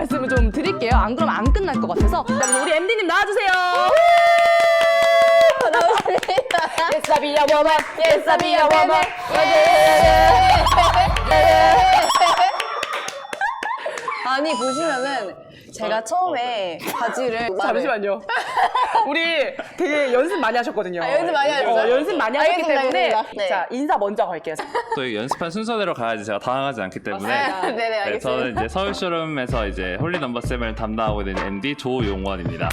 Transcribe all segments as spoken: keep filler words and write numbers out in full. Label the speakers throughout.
Speaker 1: 말씀을 좀 드릴게요. 안 그러면 안 끝날 것 같아서. 자, 그래서 우리 엠디님 나와주세요.
Speaker 2: 나왔습니다.
Speaker 1: Yes, I be a woman. Yes, I be a woman.
Speaker 2: 아니 보시면은 제가 처음에 바지를
Speaker 1: 잠시만요. 우리 되게 연습 많이 하셨거든요.
Speaker 2: 아, 연습 많이 하셨어요?
Speaker 1: 어, 연습 많이 하셨기
Speaker 2: 알겠습니다,
Speaker 1: 때문에
Speaker 2: 알겠습니다. 네.
Speaker 1: 자, 인사 먼저 걸게요.
Speaker 3: 또 이 연습한 순서대로 가야지 제가 당황하지 않기 때문에
Speaker 2: 아, 네네
Speaker 3: 네,
Speaker 2: 알겠습니다.
Speaker 3: 저는 이제 서울 쇼룸에서 이제 홀리 넘버 세븐을 담당하고 있는 엠디 조용원입니다.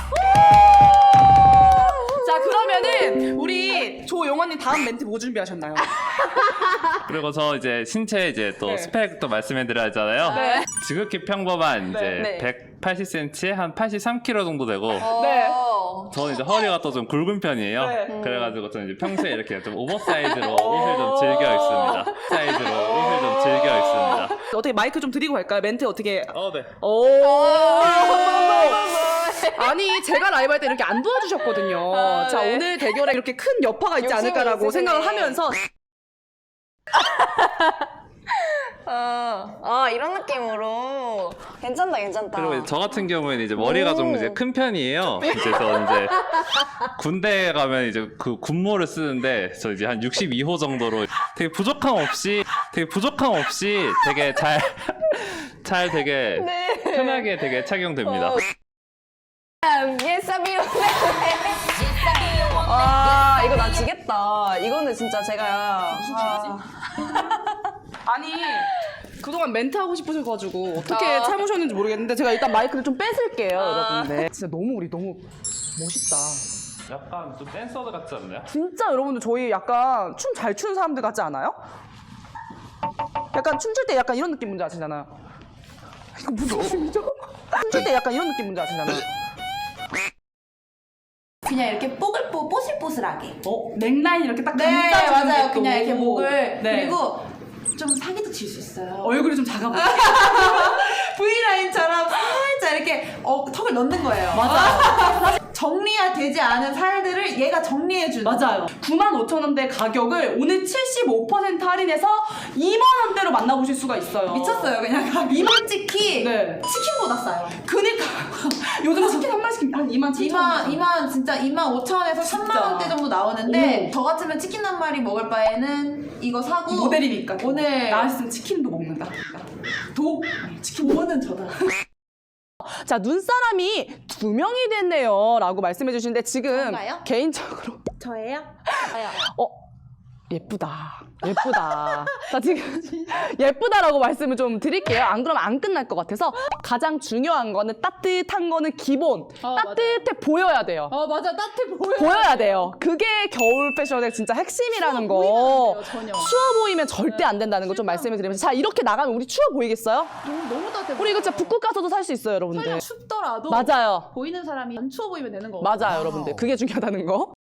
Speaker 1: 자, 그러면은 우리 조용원님 다음 멘트 뭐 준비하셨나요?
Speaker 3: 그리고 저 이제 신체 이제 또
Speaker 1: 네.
Speaker 3: 스펙도 말씀해드려야 하잖아요.
Speaker 1: 네.
Speaker 3: 지극히 평범한 이제
Speaker 2: 네.
Speaker 3: 백팔십 센티미터에 한 팔십삼 킬로그램 정도 되고
Speaker 1: 네.
Speaker 2: 어.
Speaker 3: 저는 이제 허리가 또 좀 굵은 편이에요.
Speaker 1: 네.
Speaker 3: 그래가지고 저는 이제 평소에 이렇게 좀 오버사이즈로 옷을 좀 즐겨 입습니다. 사이즈로 옷을 좀 즐겨 입습니다.
Speaker 1: 어떻게 마이크 좀 드리고 갈까요? 멘트 어떻게?
Speaker 3: 어, 네.
Speaker 1: 오. 아니, 제가 라이브 할 때 이렇게 안 도와주셨거든요.
Speaker 2: 아,
Speaker 1: 자,
Speaker 2: 네.
Speaker 1: 오늘 대결에 이렇게 큰 여파가 있지
Speaker 2: 욕심이
Speaker 1: 않을까라고
Speaker 2: 있으시네.
Speaker 1: 생각을 하면서
Speaker 2: 아, 아 이런 느낌으로 괜찮다 괜찮다.
Speaker 3: 그리고 이제 저 같은 경우에는 이제 머리가 좀 이제 큰 편이에요. 이제 저 이제 군대 가면 이제 그 군모를 쓰는데 저 이제 한 육십이 호 정도로 되게 부족함 없이 되게 부족함 없이 되게 잘 잘 되게
Speaker 2: 네.
Speaker 3: 편하게 되게 착용됩니다.
Speaker 2: 어. 예사비오. 아 이거 나 지겠다. 이거는 진짜 제가 아,
Speaker 1: 아니 그동안 멘트 하고 싶으셔가지고 어떻게
Speaker 2: 아.
Speaker 1: 참으셨는지 모르겠는데 제가 일단 마이크를 좀 뺏을게요, 여러분들. 진짜 너무 우리 너무 멋있다.
Speaker 3: 약간 좀 댄서들 같지 않나요?
Speaker 1: 진짜 여러분들 저희 약간 춤 잘 추는 사람들 같지 않아요? 약간 춤출 때 약간 이런 느낌 뭔지 아시잖아요. 이거 무슨 춤이죠? 춤출 때 약간 이런 느낌 뭔지 아시잖아요.
Speaker 4: 그냥 이렇게 뽀글뽀 뽀슬뽀슬하게.
Speaker 1: 어? 넥라인 이렇게 딱
Speaker 4: 네
Speaker 1: 감싸주는
Speaker 4: 맞아요.
Speaker 1: 게
Speaker 4: 그냥
Speaker 1: 또.
Speaker 4: 이렇게 목을
Speaker 1: 네.
Speaker 4: 그리고 좀 사기도 칠 수 있어요.
Speaker 1: 얼굴이 좀 작아 보여.
Speaker 4: V라인처럼 살짝 이렇게 어, 턱을 넣는 거예요.
Speaker 1: 맞아요.
Speaker 4: 정리되지 않은 살들을 얘가 정리해주는.
Speaker 1: 맞아요. 구만 오천 원대 가격을 오늘 칠십오 퍼센트 할인해서 이만 원대로 만나보실 수가 있어요.
Speaker 4: 미쳤어요. 그냥 가격이. 솔직히
Speaker 1: 네.
Speaker 4: 치킨보다 싸요.
Speaker 1: 그니까 요즘 치킨 한 마리씩 한 이만 칠천 원.
Speaker 4: 이만, 이만, 진짜 이만 오천 원에서 삼만 원대 정도 나오는데 저 같으면 치킨 한 마리 먹을 바에는 이거 사고
Speaker 1: 모델이니까 또.
Speaker 4: 오늘
Speaker 1: 나 있으면 치킨도 먹는다. 도 치킨
Speaker 4: 오는 저다.
Speaker 1: 자, 눈사람이 두 명이 됐네요 라고 말씀해 주시는데 지금
Speaker 4: 저인가요?
Speaker 1: 개인적으로
Speaker 4: 저예요? 저요.
Speaker 1: 어 예쁘다 예쁘다 자 지금 예쁘다라고 말씀을 좀 드릴게요. 안 그러면 안 끝날 것 같아서 가장 중요한 거는 따뜻한 거는 기본
Speaker 4: 어,
Speaker 1: 따뜻해 보여야 돼요.
Speaker 4: 어 맞아 따뜻해 보여.
Speaker 1: 보여야 돼요. 그게 겨울 패션의 진짜 핵심이라는 거.
Speaker 4: 보이면 안 돼요, 전혀.
Speaker 1: 추워 보이면 절대 안 된다는 거 좀 말씀을 드리면서 자 이렇게 나가면 우리 추워 보이겠어요?
Speaker 4: 너무 너무 따뜻해.
Speaker 1: 우리 이거 진짜 북극 가서도 살 수 있어요, 여러분들.
Speaker 4: 설령 춥더라도
Speaker 1: 맞아요.
Speaker 4: 보이는 사람이 안 추워 보이면 되는 거.
Speaker 1: 맞아요, 여러분들. 그게 중요하다는 거.